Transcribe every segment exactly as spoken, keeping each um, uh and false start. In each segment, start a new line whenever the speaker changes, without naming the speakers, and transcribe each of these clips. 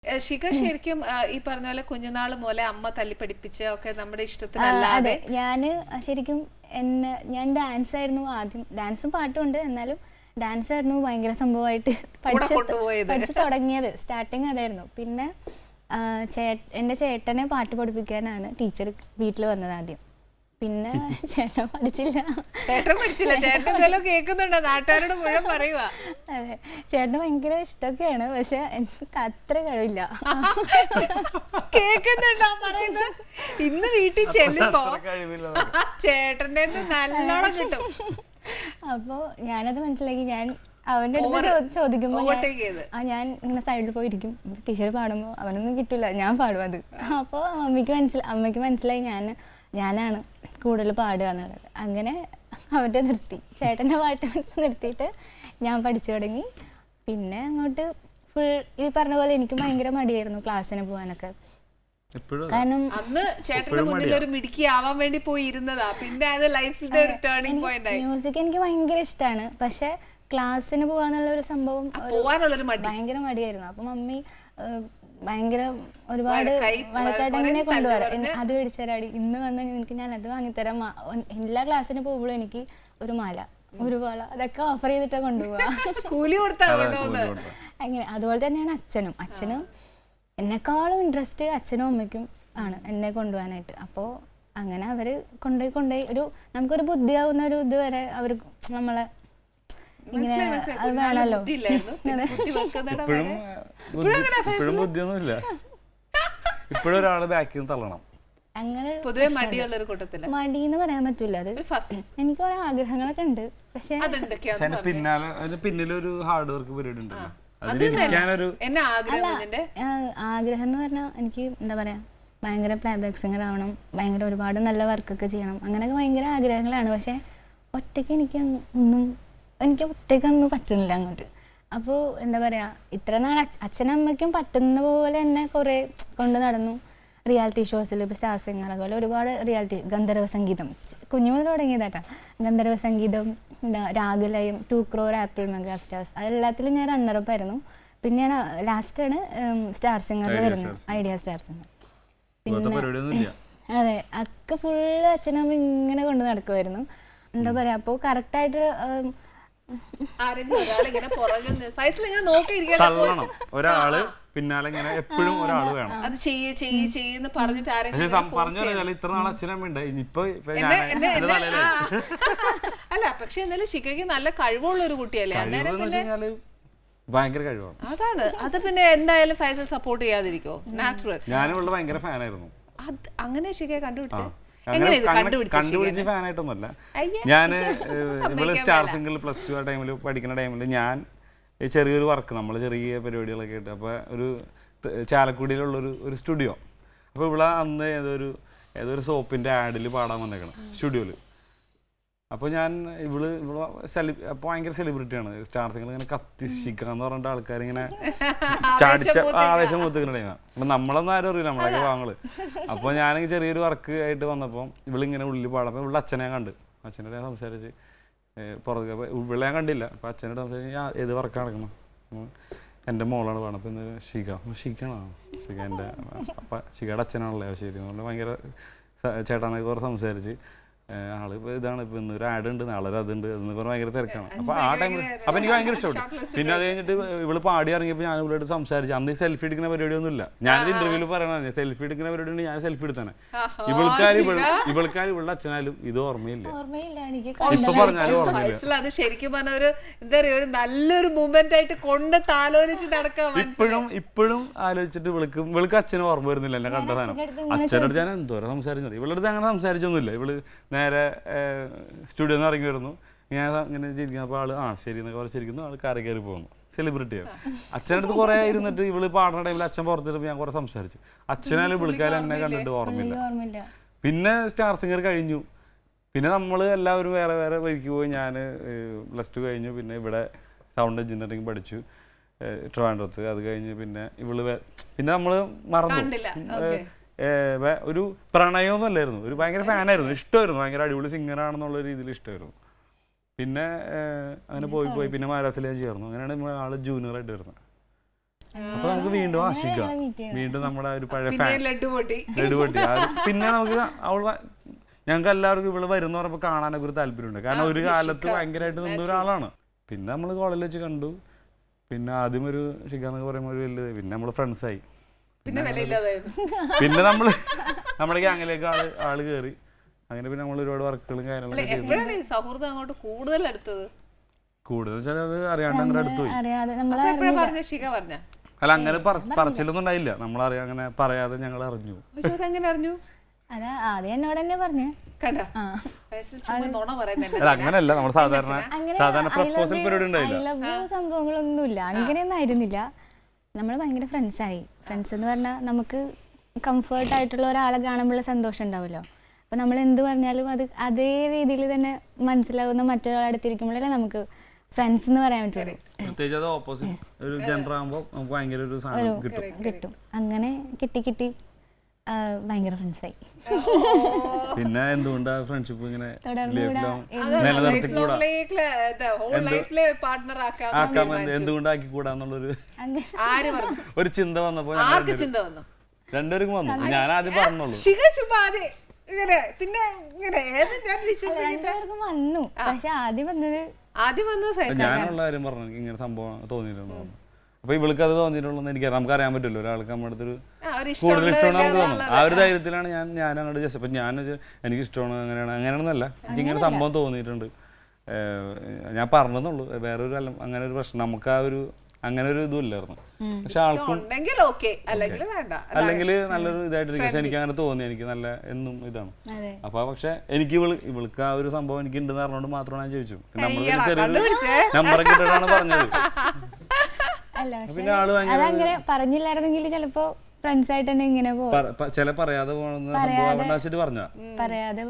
ശിഖ ശരിക്കും ഈ പറഞ്ഞ പോലെ കുഞ്ഞുനാൾ മുതലേ അമ്മ തല്ലി പഠിപ്പിച്ച് ഒക്കെ നമ്മുടെ ഇഷ്ടത്തിനല്ലാതെ
ഞാന് ശരിക്കും എന്നെ ഞാൻ ഡാൻസ് ആയിരുന്നു ആദ്യം, ഡാൻസും പാട്ടും ഉണ്ട്, എന്നാലും ഡാൻസ് ആയിരുന്നു ഭയങ്കര സംഭവമായിട്ട് പഠിച്ച് പഠിച്ചു തുടങ്ങിയത്. സ്റ്റാർട്ടിങ് അതായിരുന്നു. പിന്നെ ചേ എൻ്റെ ചേട്ടനെ പാട്ട് പഠിപ്പിക്കാനാണ് ടീച്ചർ വീട്ടിൽ വന്നത് ആദ്യം. പിന്നെ ചേട്ടൻ പഠിച്ചില്ല.
ചേട്ടൻ പഠിച്ചില്ല ചേട്ടൻ കേൾക്കുന്നുണ്ടോ നാട്ടുകാരോട് മുഴുവൻ പറയുക.
അതെ, ചേട്ടന് ഭയങ്കര ഇഷ്ടമൊക്കെയാണ്, പക്ഷെ എനിക്ക് അത്ര കഴിവില്ല.
കേൾക്കുന്നുണ്ടോ പറയുന്നത്? ഇന്ന് വീട്ടിൽ ചെല്ലുമ്പോ ചേട്ടൻ്റെ നല്ലോണം കിട്ടും.
അപ്പോ ഞാനത് മനസ്സിലാക്കി. ഞാൻ അവന്റെ അടുത്ത് ചോദിക്കുമ്പോ ആ ഞാൻ ഇങ്ങനെ സൈഡിൽ പോയിരിക്കും. ടീച്ചർ പാടുമ്പോ അവനൊന്നും കിട്ടില്ല, ഞാൻ പാടും അത്. അപ്പോൾ അമ്മയ്ക്ക് മനസ്സിലായി അമ്മയ്ക്ക് മനസ്സിലായി ഞാൻ ഞാനാണ് കൂടുതൽ പാടുക എന്നുള്ളത്. അങ്ങനെ അവൻ്റെ നിർത്തി, ചേട്ടൻ്റെ പാട്ട് നിർത്തിയിട്ട് ഞാൻ പഠിച്ചു തുടങ്ങി. പിന്നെ അങ്ങോട്ട് ഫുൾ ഈ പറഞ്ഞ പോലെ എനിക്ക് ഭയങ്കര മടിയായിരുന്നു ക്ലാസ്സിന് പോകാനൊക്കെ.
കാരണം അന്ന് ചേട്ടന്റെ മുന്നിൽ ഒരു മിടുക്കി ആവാൻ വേണ്ടി പോയി ഇരുന്നതാ. പിന്നെ അത് ലൈഫിന്റെ ഒരു ടേണിംഗ് പോയിന്റ് ആയി.
മ്യൂസിക് എനിക്ക് ഭയങ്കര ഇഷ്ടമാണ്, പക്ഷെ ക്ലാസ്സിന് പോകാന്നുള്ള ഒരു സംഭവം ഭയങ്കര മടിയായിരുന്നു. അപ്പൊ മമ്മി ഭയങ്കര ഒരുപാട് വഴക്കായിട്ട് അങ്ങനെ കൊണ്ടുപോകാം. അത് മേടിച്ചരാടി, ഇന്ന് വന്ന് എനിക്ക് ഞാൻ അത് വാങ്ങിത്തരാം. എല്ലാ ക്ലാസ്സിന് പോകുമ്പോഴും എനിക്ക് ഒരു മാല, ഒരു വള, അതൊക്കെ ഓഫർ ചെയ്തിട്ടാ കൊണ്ടുപോവാ.
കൂലി കൊടുത്താ
അങ്ങനെ. അതുപോലെ തന്നെയാണ് അച്ഛനും. അച്ഛനും എന്നെക്കാളും ഇൻട്രസ്റ്റ് അച്ഛനും അമ്മയ്ക്കും ആണ് എന്നെ കൊണ്ടുപോകാനായിട്ട്. അപ്പോൾ അങ്ങനെ അവര് കൊണ്ടുപോയി കൊണ്ടുപോയി ഒരു നമുക്കൊരു ബുദ്ധിയാവുന്ന ഒരു ഇത് വരെ അവർ നമ്മളെ ഇങ്ങനെ അത് വേണമല്ലോ.
ഇപ്പോഴും ബുദ്ധിയൊന്നുമില്ല, ഇപ്പോഴും ഒരാള് ബാക്കിൽ തള്ളണം.
അങ്ങനെ
പൊതുവെ മടിയുള്ളൊരു കൂട്ടത്തില്
മടിന്ന് പറയാൻ പറ്റൂല. അത് എനിക്ക് കുറെ ആഗ്രഹങ്ങളൊക്കെ ഉണ്ട്, പക്ഷെ
പിന്നാലെ പിന്നിലൊരു ഹാർഡ് വർക്ക് പരിപാടി ഉണ്ടല്ലോ.
ആഗ്രഹം എന്ന് പറഞ്ഞാൽ എനിക്ക് എന്താ പറയാ, ഭയങ്കര പ്ലേബാക്ക് സിംഗർ ആവണം, ഭയങ്കര ഒരുപാട് നല്ല വർക്കൊക്കെ ചെയ്യണം, അങ്ങനെയൊക്കെ ഭയങ്കര ആഗ്രഹങ്ങളാണ്. പക്ഷെ ഒറ്റയ്ക്ക് എനിക്ക് ഒന്നും എനിക്ക് ഒറ്റയ്ക്കൊന്നും പറ്റുന്നില്ല അങ്ങോട്ട്. അപ്പോൾ എന്താ പറയാ, ഇത്ര നാൾ അച്ഛനമ്മയ്ക്കും പറ്റുന്ന പോലെ തന്നെ കുറെ കൊണ്ട് നടന്നു. റിയാലിറ്റി ഷോസിൽ ഇപ്പോൾ സ്റ്റാർ സിംഗർ, അതുപോലെ ഒരുപാട് റിയാലിറ്റി, ഗന്ധർവ സംഗീതം കുഞ്ഞു മുതൽ തുടങ്ങിയതാട്ടാ. ഗന്ധർവ സംഗീതം, എന്താ Ragalayam, two crore, Apple mega stars, അതെല്ലാത്തിലും ഞാൻ റണ്ണറപ്പ് ആയിരുന്നു. പിന്നെയാണ് ലാസ്റ്റാണ് സ്റ്റാർ സിംഗറിൽ വരുന്നത്, ഐഡിയ സ്റ്റാർ സിംഗർ. പിന്നെ അതെ, ഒക്കെ ഫുള്ള് അച്ഛനമ്മ ഇങ്ങനെ കൊണ്ട് നടക്കുമായിരുന്നു. എന്താ പറയാ, അപ്പോൾ കറക്റ്റായിട്ട്
ഒരാള് പിന്നാലെ ഇങ്ങനെ എപ്പോഴും ഒരാള് വേണം.
അത് ചെയ്യ് ചെയ്യ് ചെയ്യെന്ന് പറഞ്ഞിട്ട്
പറഞ്ഞു ഇത്ര നാൾ അച്ഛനമ്മ ഇപ്പൊ
അല്ല. പക്ഷെ എന്നാലും ശിഖയ്ക്ക് നല്ല കഴിവുള്ള ഒരു കുട്ടിയല്ലേ, അന്നേരം
ഭയങ്കര കഴിവാണ്.
അതാണ് അത്. പിന്നെ എന്തായാലും ഫൈസൽ സപ്പോർട്ട് ചെയ്യാതിരിക്കോ? നാച്ചുറൽ.
ഞാനുള്ള ഭയങ്കര ഫാനായിരുന്നു.
അങ്ങനെ ശിഖയെ കണ്ടുപിടിച്ചേ?
കണ്ടുപിടിച്ച് ഫാനായിട്ടൊന്നുമല്ല. ഞാൻ ഇവള് സ്റ്റാർ സിംഗിൾ പ്ലസ് ടു ആ ടൈമിൽ പഠിക്കുന്ന ടൈമിൽ ഞാൻ ചെറിയൊരു വർക്ക്, നമ്മൾ ചെറിയ പരിപാടികളൊക്കെ ആയിട്ട്, അപ്പോൾ ഒരു ചാലക്കുടിയിലുള്ളൊരു ഒരു സ്റ്റുഡിയോ. അപ്പോൾ ഇവിടെ അന്ന് ഏതൊരു ഏതൊരു സോപ്പിൻ്റെ ആഡിൽ പാടാൻ വന്നേക്കണം സ്റ്റുഡിയോയിൽ. അപ്പോൾ ഞാൻ ഇവള് ഇവള് സെലി അപ്പോൾ ഭയങ്കര സെലിബ്രിറ്റിയാണ്. സ്റ്റാർ സിംഗിൾ ഇങ്ങനെ കത്തി ശിക്കാന്ന് പറഞ്ഞിട്ട് ആൾക്കാരിങ്ങനെ ചാടിച്ച ആവേശം മൂത്തിക്കുന്ന ടൈമാണ്. അപ്പം നമ്മളൊന്നും ആരും അറിയില്ല, നമ്മളൊക്കെ വാങ്ങള്. അപ്പോൾ ഞാനെങ്കിൽ ചെറിയൊരു വർക്ക് ആയിട്ട് വന്നപ്പോൾ ഇവളിങ്ങനെ ഉള്ളിൽ പാടപ്പോൾ ഇവളുടെ അച്ഛനെ കണ്ട്, അച്ഛനോട് ഞാൻ സംസാരിച്ച് പുറത്ത്. അപ്പോൾ ഇവളെ ഞാൻ കണ്ടില്ല. അപ്പോൾ അച്ഛനോട് സംസാരിച്ച് ഞാൻ ഏത് വർക്ക് നടക്കണം, എൻ്റെ മോളാണ് പാടുന്നത്. അപ്പോൾ ഇന്ന് ഷിക ഷിക്കാണോ ഷിക എൻ്റെ അപ്പം ഷികയുടെ അച്ഛനാണല്ലേ ശരി എന്ന് പറഞ്ഞാൽ ഭയങ്കര ചേട്ടാനൊക്കെ കുറേ സംസാരിച്ച് ആള് ഇപ്പൊ ഇതാണ്, ഇപ്പൊ ഇന്ന് ഒരു ആഡ് ഉണ്ട്, നാളെ അതുണ്ട് എന്ന് പറഞ്ഞാൽ ഭയങ്കര തിരക്കാണ്. അപ്പൊ ആ ടൈമിൽ അപ്പൊ എനിക്ക് ഭയങ്കര ഇഷ്ടപ്പെട്ടു. പിന്നെ അത് കഴിഞ്ഞിട്ട് ഇവള് പാടി ഇറങ്ങിയപ്പോൾ ഞാൻ ഇവളോട് സംസാരിച്ചു. അന്ന് സെൽഫി എടുക്കുന്ന പരിപാടിയൊന്നും ഇല്ല. ഞാനൊരു ഇന്റർവ്യൂവിൽ പറയണത് സെൽഫി എടുക്കുന്ന പരിപാടി ഉണ്ട്, ഞാൻ സെൽഫി എടുത്താണ്. ഇവൾക്കാർ ഇവൾക്കാർ ഇവളുടെ അച്ഛനാലും ഇത് ഓർമ്മയില്ല, ഇപ്പൊ പറഞ്ഞാലും ഓർമ്മയില്ല.
അത് ശരിക്കും പറഞ്ഞ ഒരു എന്താ പറയാ, ഒരു നല്ലൊരു മൂവ്മെന്റ് ആയിട്ട് കൊണ്ട് താലോലിച്ച് നടക്കാം.
ഇപ്പോഴും ഇപ്പോഴും ആലോചിച്ചിട്ട് ഇവൾക്ക് ഇവൾക്ക് അച്ഛനും ഓർമ്മ വരുന്നില്ല എന്നെ കണ്ട സാധനം. അച്ഛനോട് ഞാൻ എന്തോരം സംസാരിച്ചത്, ഇവളുടെ അങ്ങനെ സംസാരിച്ചൊന്നുമില്ല. ഇവള് നേരെ സ്റ്റുഡിയോ നിന്ന് ഇറങ്ങി വരുന്നു, ഞാൻ ഇങ്ങനെ ചിരിക്കുന്നു. അപ്പോൾ ആള് ആ ശരി എന്നൊക്കെ പറഞ്ഞിരിക്കുന്നു, ആൾ കാറി കയറി പോകുന്നു. സെലിബ്രിറ്റിയാണ്. അച്ഛനടുത്ത് കുറേ ഇരുന്നിട്ട് ഇവള് പാടുന്ന ടൈമിൽ അച്ഛൻ പുറത്തിട്ട് ഞാൻ കുറെ സംസാരിച്ചു. അച്ഛനാലും വിളിക്കാനും എന്നെ കണ്ടിട്ട് ഓർമ്മയില്ല. പിന്നെ സ്റ്റാർ സിംഗർ കഴിഞ്ഞു, പിന്നെ നമ്മൾ എല്ലാവരും വേറെ വേറെ വഴിക്ക് പോയി. ഞാൻ പ്ലസ് ടു കഴിഞ്ഞു, പിന്നെ ഇവിടെ സൗണ്ട് എഞ്ചിനീയറിംഗ് പഠിച്ചു ട്രിവാൻഡ്രത്ത്. അത് കഴിഞ്ഞ് പിന്നെ ഇവള് പിന്നെ നമ്മൾ മറന്നു. ഒരു പ്രണയമൊന്നും അല്ലായിരുന്നു, ഒരു ഭയങ്കര ഫാനായിരുന്നു, ഇഷ്ടമായിരുന്നു, ഭയങ്കര അടിപൊളി സിംഗറാണെന്നുള്ള രീതിയിൽ ഇഷ്ടമായിരുന്നു. പിന്നെ അങ്ങനെ പോയി പോയി പിന്നെ മഹാരാഷ്ട്രയിലേക്ക് ചേർന്നു. അങ്ങനെയാണ് ആള് ജൂനിയർ ആയിട്ട് വരുന്നത്. അപ്പൊ നമുക്ക് വീണ്ടും ആശിക്കാം, വീണ്ടും നമ്മുടെ ഒരു പഴയ ഫാൻ
ലഡു പൊട്ടി
ലഡു പൊട്ടി. അത് പിന്നെ നമുക്ക് അവൾ ഞങ്ങൾക്ക് എല്ലാവർക്കും ഇവള് വരുന്ന പറയുമ്പോൾ കാണാനൊക്കെ ഒരു താല്പര്യമുണ്ട്. കാരണം ഒരു കാലത്ത് ഭയങ്കരമായിട്ട് നിന്ന ഒരാളാണ്. പിന്നെ നമ്മൾ കോളേജിൽ വെച്ച് കണ്ടു. പിന്നെ ആദ്യം ഒരു ഷിക എന്നൊക്കെ പറയുമ്പോൾ ഒരു വലിയ, പിന്നെ നമ്മള് ഫ്രണ്ട്സായി.
പിന്നെ
പിന്നെ നമ്മള് നമ്മുടെ ഗ്യാങ്ങിലേക്ക് ആള് ആള് കയറി. അങ്ങനെ പിന്നെ നമ്മൾ ഒരുപാട് വർക്കുകളും കാര്യങ്ങളും
സൗഹൃദം അങ്ങോട്ട് കൂടുതൽ അടുത്തത്
കൂടുതൽ വെച്ചാൽ അത് അറിയാണ്ട് അങ്ങനെ അടുത്ത് പോയി.
അല്ല
അങ്ങനെ പറച്ചിലൊന്നും ഉണ്ടായില്ല. നമ്മളറിയാം അങ്ങനെ പറയാതെ ഞങ്ങൾ അറിഞ്ഞു.
അങ്ങനെ അറിഞ്ഞു
അതാ ആദ്യം എന്നോട് തന്നെ പറഞ്ഞു.
അങ്ങനെയല്ല, നമ്മൾ സാധാരണ സാധാരണ പ്രപ്പോസൽ പരിപാടി ഉണ്ടായില്ല,
സംഭവങ്ങളൊന്നുമില്ല, അങ്ങനെയൊന്നും ആയിരുന്നില്ല. നമ്മൾ ഭയങ്കര ഫ്രണ്ട്സായി. ഫ്രണ്ട്സ് എന്ന് പറഞ്ഞാൽ നമുക്ക് കംഫേർട്ട് ആയിട്ടുള്ള ഒരാളെ കാണുമ്പോഴുള്ള സന്തോഷം ഉണ്ടാവുമല്ലോ. അപ്പോൾ നമ്മൾ എന്ത് പറഞ്ഞാലും അത് അതേ രീതിയിൽ തന്നെ മനസ്സിലാവുന്ന മറ്റൊരാളെ അടുത്തിരിക്കുമ്പോഴല്ലേ നമുക്ക് ഫ്രണ്ട്സ് എന്ന് പറയാൻ പറ്റുള്ളൂ.
പ്രത്യേകിച്ച് അത് ഓപ്പോസിറ്റ് ഒരു ജെൻഡർ ആകുമ്പോൾ നമുക്ക് ഭയങ്കര ഒരു സാധനം കിട്ടും
കിട്ടും അങ്ങനെ കിട്ടി കിട്ടി ഭയങ്കര ഫ്രണ്ട്സായി.
പിന്നെ എന്തുകൊണ്ടാ ഫ്രണ്ട്ഷിപ്പ് ഇങ്ങനെ എന്തുകൊണ്ടാക്കി കൂടാന്നുള്ളൊരു ഒരു ചിന്ത വന്നപ്പോ രണ്ടുപേർക്കും വന്നു. ഞാൻ ആദ്യം പറഞ്ഞോളൂ
പിന്നെ
വന്നു. പക്ഷെ ആദ്യം വന്നത് ആദ്യം വന്നത്
ഞാനുള്ള കാര്യം പറഞ്ഞു ഇങ്ങനെ സംഭവം തോന്നിയിട്ടുണ്ടോ. അപ്പൊ ഇവൾക്ക് അത് തോന്നിയിട്ടുള്ളൂ എനിക്കറിയാം. നമുക്ക് അറിയാൻ പറ്റുമല്ലോ ഒരാൾക്ക് നമ്മുടെ അടുത്തൊരു കൂടുതൽ ഇഷ്ടമാണ് നമുക്ക് തോന്നുന്നു. ആ ഒരു ധൈര്യത്തിലാണ് ഞാൻ ഞാൻ അങ്ങോട്ട് ജസ്റ്റ്. അപ്പൊ ഞാൻ എനിക്ക് ഇഷ്ടമാണ് അങ്ങനെയാണ് അങ്ങനെയാണെന്നല്ല, എനിക്ക് ഇങ്ങനെ സംഭവം തോന്നിയിട്ടുണ്ട്. ഞാൻ പറഞ്ഞെന്നുള്ളൂ, വേറൊരു അല്ല അങ്ങനെ ഒരു പ്രശ്നം നമുക്ക് ആ ഒരു അങ്ങനെ ഒരു ഇതും ഇല്ലായിരുന്നു. പക്ഷെ ആൾക്കും അല്ലെങ്കിൽ നല്ലൊരു ഇതായിട്ടിരിക്കും. പക്ഷെ എനിക്ക് അങ്ങനെ തോന്നി, എനിക്ക് നല്ല എന്നും ഇതാണ്. അപ്പൊ പക്ഷെ എനിക്ക് ഇവള് ഇവൾക്ക് ആ ഒരു സംഭവം എനിക്ക് ഉണ്ടെന്ന് പറഞ്ഞുകൊണ്ട് മാത്രമാണ് ഞാൻ ചോദിച്ചു. നമ്മൾ ചെറിയൊരു നമ്പറൊക്കെ ഇട്ടിട്ടാണ് പറഞ്ഞത്.
പിന്നെ ആള് അതങ്ങനെ പറഞ്ഞില്ലായിരുന്നെങ്കിൽ ചിലപ്പോ ഫ്രണ്ട്സ് ആയിട്ട് തന്നെ ഇങ്ങനെ
ചില പറയാതെ പോകണമെന്ന് പറഞ്ഞ
പറയാതെ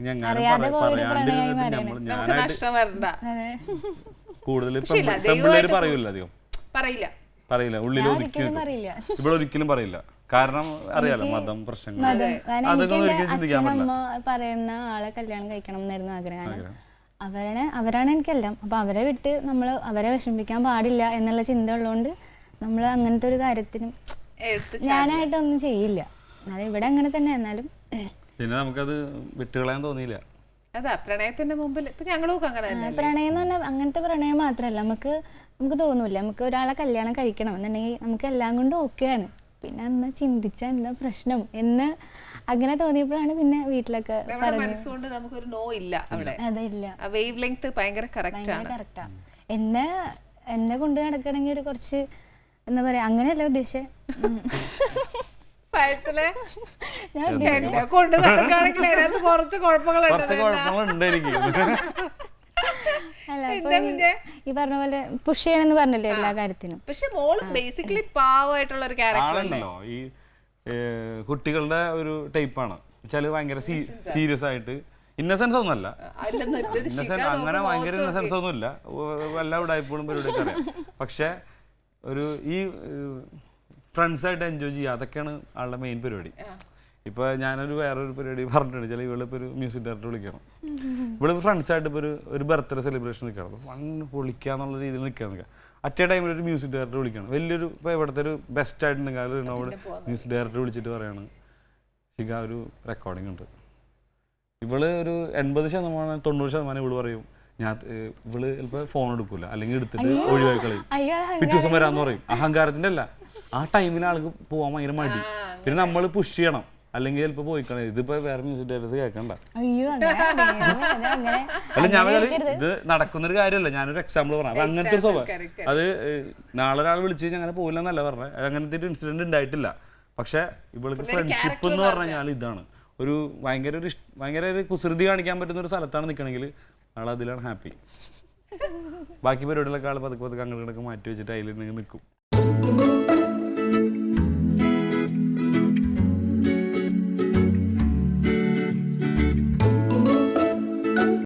കൂടുതൽ പെൺപിള്ളേര് പറയൂല അധികം
പറയില്ല
പറയില്ല ഉള്ളിൽ ഒരിക്കലും ഇവിടെ ഒരിക്കലും പറയില്ല. കാരണം അറിയാലോ മതം പ്രശ്നങ്ങൾ അതൊക്കെ ഒരിക്കലും ചിന്തിക്കാൻ പറ്റില്ല.
പറയുന്ന ആളെ കല്യാണം കഴിക്കണം എന്നായിരുന്നു ആഗ്രഹം. അവരാണ് അവരാണ് എനിക്കെല്ലാം. അപ്പൊ അവരെ വിട്ട് നമ്മൾ അവരെ വിഷമിപ്പിക്കാൻ പാടില്ല എന്നുള്ള ചിന്ത ഉള്ളതുകൊണ്ട് നമ്മൾ അങ്ങനത്തെ ഒരു കാര്യത്തിനും ഞാനായിട്ടൊന്നും ചെയ്യില്ല. അത് ഇവിടെ അങ്ങനെ തന്നെ. എന്നാലും
പിന്നെ നമുക്കത് വിട്ടുകളയാൻ തോന്നിയില്ല.
അതാ പ്രണയത്തിന്റെ മുമ്പിൽ ഞങ്ങളൊക്കെ അങ്ങനെ
പ്രണയം എന്ന് പറഞ്ഞാൽ അങ്ങനത്തെ പ്രണയം മാത്രമല്ല, നമുക്ക് നമുക്ക് തോന്നൂല നമുക്ക് ഒരാളെ കല്യാണം കഴിക്കണം എന്നുണ്ടെങ്കിൽ നമുക്ക് എല്ലാം കൊണ്ടും ഓക്കെയാണ്. പിന്നെ അന്ന് ചിന്തിച്ച എന്താ പ്രശ്നം എന്ന് അങ്ങനെ തോന്നിയപ്പോഴാണ് പിന്നെ വീട്ടിലൊക്കെ
മനസ്സുകൊണ്ട് നമുക്കൊരു നോ ഇല്ല അവിടെ.
അതില്ല,
വേവ് ലെങ്ത് ഭയങ്കര
കറക്റ്റാ. എന്നെ എന്നെ കൊണ്ട് നടക്കണമെങ്കിൽ ഒരു കുറച്ച് എന്താ പറയാ അങ്ങനെയല്ല ഉദ്ദേശിച്ചത്. ഈ പറഞ്ഞ പോലെ പുഷ് ചെയ്യണമെന്ന് പറഞ്ഞല്ലോ എല്ലാ കാര്യത്തിനും.
പക്ഷെ മോള് ബേസിക്കലി പാവമായിട്ടുള്ള ഒരു ക്യാരക്ടറല്ലോ.
ഈ കുട്ടികളുടെ ഒരു ടൈപ്പാണ് വെച്ചാല് ഭയങ്കര സീരിയസ് ആയിട്ട്. ഇന്നസെൻസ് ഒന്നുമല്ല, ഇന്നസെൻസ് അങ്ങനെ ഭയങ്കര ഇന്നസെൻസ് ഒന്നുമില്ല. എല്ലാ ഉടായ്പകളും പരിപാടിയൊക്കെ അറിയാം. പക്ഷെ ഒരു ഈ ഫ്രണ്ട്സായിട്ട് എൻജോയ് ചെയ്യുക അതൊക്കെയാണ് ആളുടെ മെയിൻ പരിപാടി. ഇപ്പൊ ഞാനൊരു വേറൊരു പരിപാടി പറഞ്ഞിട്ടുണ്ട്. ചില ഇവളിപ്പോ ഒരു മ്യൂസിക് ഡയറക്ടർ വിളിക്കണം, ഇവിടെ ഫ്രണ്ട്സായിട്ട് ഇപ്പൊ ഒരു ബർത്ത്ഡേ സെലിബ്രേഷൻ നിൽക്കണം, വൺ പൊളിക്കാന്നുള്ള രീതിയിൽ നിൽക്കാൻ നിൽക്കുക. അറ്റേ ടൈമിൽ ഒരു മ്യൂസിക് ഡയറക്ടർ വിളിക്കണം, വലിയൊരു ഇപ്പോൾ ഇവിടുത്തെ ഒരു ബെസ്റ്റ് ആയിട്ടുണ്ടെങ്കിൽ അത് എന്നോട് മ്യൂസിക് ഡയറക്ടർ വിളിച്ചിട്ട് പറയാണ് ഷിക ഒരു റെക്കോർഡിംഗ് ഉണ്ട്. ഇവള് ഒരു എൺപത് ശതമാനം തൊണ്ണൂറ് ശതമാനം ഇവള് പറയും ഞാൻ ഇവള് ചിലപ്പോൾ ഫോൺ എടുക്കൂല, അല്ലെങ്കിൽ എടുത്തിട്ട് ഒഴിവാക്കി കളയും, പിറ്റേ ദിവസം വരാന്ന് പറയും. അഹങ്കാരത്തിന്റെ അല്ല, ആ ടൈമിൽ ആൾക്ക് പോകാൻ ഭയങ്കര മടി. പിന്നെ നമ്മൾ പുഷ് ചെയ്യണം, അല്ലെങ്കിൽ ചിലപ്പോൾ പോയിക്കളയും. ഇതിപ്പോ വേറെ മ്യൂസിക് ഡയറക്ടേഴ്സ് കേൾക്കണ്ട. അല്ല ഞാൻ ഇത് നടക്കുന്നൊരു കാര്യമല്ല, ഞാനൊരു എക്സാമ്പിൾ പറഞ്ഞു. അങ്ങനത്തെ ഒരു സ്വഭാവം അത് നാളെ ഒരാൾ വിളിച്ച് കഴിഞ്ഞാൽ അങ്ങനെ പോയില്ല എന്നല്ല പറഞ്ഞത്. അങ്ങനത്തെ ഒരു ഇൻസിഡന്റ് ഉണ്ടായിട്ടില്ല. പക്ഷെ ഇവൾക്ക് ഫ്രണ്ട്ഷിപ്പ് എന്ന് പറഞ്ഞു കഴിഞ്ഞാൽ ഇതാണ് ഒരു ഭയങ്കര ഒരു ഭയങ്കര ഒരു കുസൃതി കാണിക്കാൻ പറ്റുന്ന ഒരു സ്ഥലത്താണ് നിൽക്കണമെങ്കിൽ ആൾ അതിലാണ് ഹാപ്പി. ബാക്കി പരിപാടികളൊക്കെ ആൾ പതുക്കെ പതുക്കെ അങ്ങോട്ടൊക്കെ മാറ്റി വെച്ചിട്ട് അതിൽ നിൽക്കും.